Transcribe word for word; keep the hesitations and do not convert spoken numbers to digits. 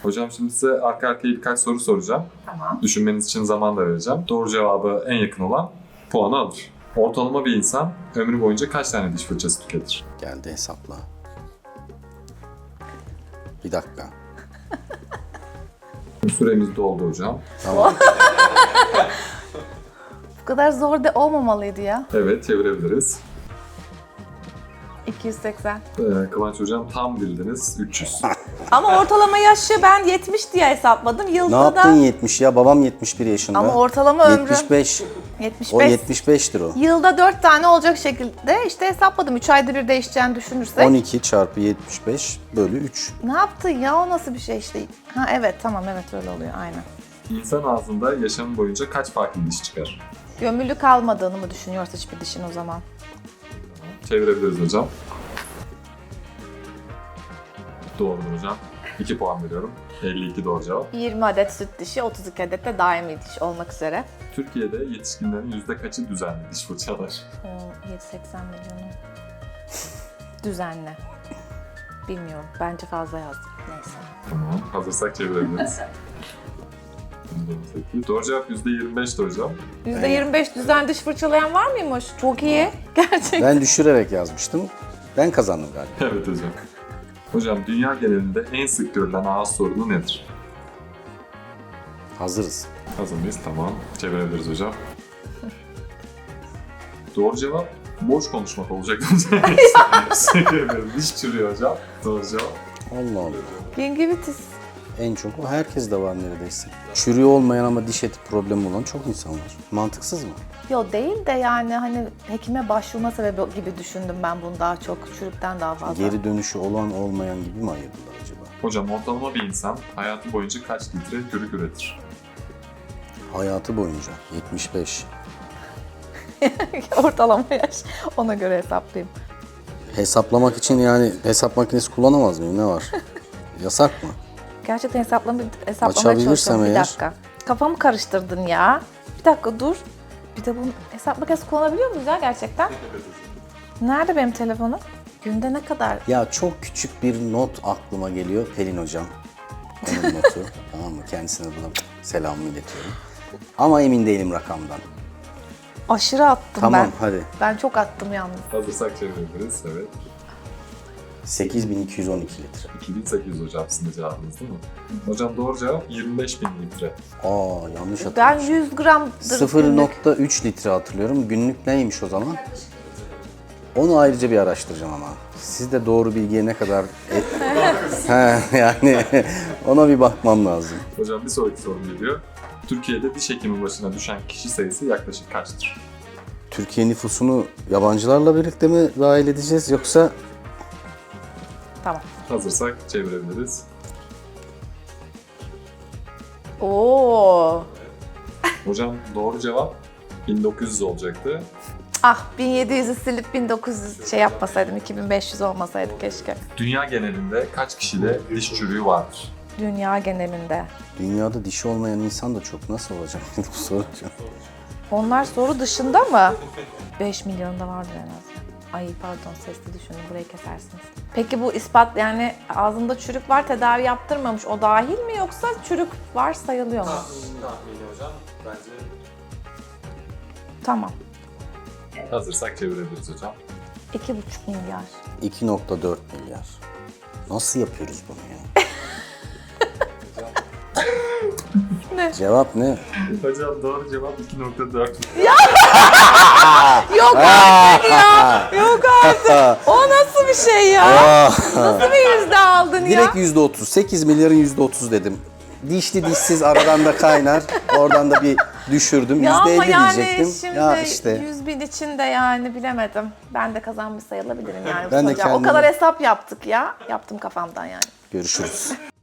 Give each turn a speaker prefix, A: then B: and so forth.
A: Hocam şimdi size arka arkaya birkaç soru soracağım.
B: Tamam.
A: Düşünmeniz için zaman da vereceğim. Doğru cevabı en yakın olan puanı alır. Ortalama bir insan ömrü boyunca kaç tane diş fırçası tüketir?
C: Geldi hesapla. Bir dakika.
A: Süremiz doldu hocam.
C: Tamam.
B: Bu kadar zor da olmamalıydı ya.
A: Evet, çevirebiliriz.
B: iki yüz seksen.
A: Ee, Kıvanç hocam tam bildiniz. üç yüz.
B: Ama ortalama yaşı ben yetmiş diye hesapladım.
C: Ne
B: Yılda
C: yaptın
B: da...
C: yetmiş ya? Babam yetmiş bir yaşında.
B: Ama ortalama ömrüm
C: yetmiş beş.
B: yetmiş
C: O
B: beş.
C: yetmiş beştir o.
B: Yılda dört tane olacak şekilde işte hesapladım. üç ayda bir değişeceğini düşünürsek.
C: on iki çarpı yetmiş beş bölü üç.
B: Ne yaptın ya? O nasıl bir şey işte? Ha evet tamam evet öyle oluyor aynen.
A: İnsan ağzında yaşamı boyunca kaç farklı diş çıkar?
B: Gömülü kalmadığını mı düşünüyoruz hiçbir dişin o zaman?
A: Çevirebiliriz hocam. Doğrudur hocam. iki puan veriyorum. elli iki doğru cevap.
B: yirmi adet süt dişi, otuz iki adet de daimi diş olmak üzere.
A: Türkiye'de yetişkinlerin yüzde kaçı düzenli diş fırçalar?
B: yedi seksen milyonu. Düzenli. Bilmiyorum. Bence fazla yazdım. Neyse.
A: Tamam. Hazırsak çevirebiliriz. Doğru cevap yüzde yirmi beşti hocam.
B: yüzde yirmi beş düzenli diş fırçalayan var mıymış? Çok iyi. Gerçekten.
C: Ben düşürerek yazmıştım. Ben kazandım galiba.
A: Evet hocam. Hocam dünya genelinde en sık görülen ağız sorunu nedir?
C: Hazırız.
A: Hazır mıyız? Tamam. Çevirebiliriz hocam. Doğru cevap boş konuşmak olacak hocam. Diş çürüyor hocam. Doğru cevap.
C: Allah Allah.
B: Gingivitis.
C: En çok o herkes de var neredeyse. Çürüğü olmayan ama diş eti problemi olan çok insan var. Mantıksız mı?
B: Yo değil de yani hani hekime başvurma sebebi gibi düşündüm ben bunu daha çok. Çürükten daha fazla.
C: Geri dönüşü olan olmayan gibi mi ayırdılar acaba?
A: Hocam ortalama bir insan hayatı boyunca kaç litre çürük üretir?
C: Hayatı boyunca yetmiş beş.
B: Ortalama yaş. Ona göre hesaplayayım.
C: Hesaplamak için yani hesap makinesi kullanamaz mıyım? Ne var? Yasak mı?
B: Gerçekten hesaplama, hesaplamaya
C: Açabilirsem
B: çalışıyorum. Bir
C: eğer.
B: dakika. Kafamı karıştırdın ya. Bir dakika dur. Bir de bunu hesap makinesi kullanabiliyor muyuz ya gerçekten? Nerede benim telefonum? Günde ne kadar?
C: Ya çok küçük bir not aklıma geliyor Pelin hocam. Onun notu. Tamam mı? Kendisine buradan selamımı iletiyorum. Ama emin değilim rakamdan.
B: Aşırı attım
C: Tamam
B: ben.
C: hadi.
B: Ben çok attım yalnız.
A: Hazırsak çevirebiliriz. Evet.
C: sekiz bin iki yüz on iki litre.
A: iki bin sekiz yüz hocam sizin de cevabınız değil mi? Hocam doğru cevap yirmi beş bin litre.
C: Aa yanlış
B: Ben
C: hatırlamışım.
B: yüz gramdır
C: sıfır
B: günlük.
C: nokta üç litre hatırlıyorum. Günlük neymiş o zaman? Onu ayrıca bir araştıracağım ama. Siz de doğru bilgiye ne kadar... He, yani ona bir bakmam lazım.
A: Hocam bir sonraki sorum geliyor. Türkiye'de diş hekimi başına düşen kişi sayısı yaklaşık kaçtır?
C: Türkiye nüfusunu yabancılarla birlikte mi dahil edeceğiz yoksa...
B: Tamam.
A: Hazırsak çevirebiliriz.
B: Oo.
A: Hocam doğru cevap bin dokuz yüz olacaktı.
B: Ah bin yedi yüzü silip bin dokuz yüz şey yapmasaydım, iki bin beş yüz olmasaydı keşke.
A: Dünya genelinde kaç kişide diş çürüğü vardır?
B: Dünya genelinde.
C: Dünyada dişi olmayan insan da çok. Nasıl olacak bu soru?
B: Onlar soru dışında mı? beş milyonda vardır en az. Ay pardon sesli düşündüm burayı kesersiniz. Peki bu ispat yani ağzında çürük var tedavi yaptırmamış o dahil mi yoksa çürük var sayılıyor mu?
A: Tahmini hocam bence.
B: Tamam.
A: Hazırsak çevirebiliriz hocam.
B: iki buçuk milyar.
C: iki nokta dört milyar. Nasıl yapıyoruz bunu ya?
B: Ne?
C: Cevap ne?
A: Hocam doğru cevap iki nokta dört.
B: Yok artık ya. Yok artık. O nasıl bir şey ya? Nasıl bir yüzde aldın ya?
C: Direkt yüzde otuz. sekiz milyarın yüzde otuz dedim. Dişli dişsiz aradan da kaynar. Oradan da bir düşürdüm.
B: Ya
C: yüzde
B: ama
C: elli
B: yani
C: diyecektim.
B: şimdi
C: Ya işte.
B: yüz bin için de yani bilemedim. Ben de kazanmış sayılabilirim yani.
C: Ben
B: bu
C: de
B: sonuca. O
C: kendimi-
B: kadar hesap yaptık ya. Yaptım kafamdan yani.
C: Görüşürüz.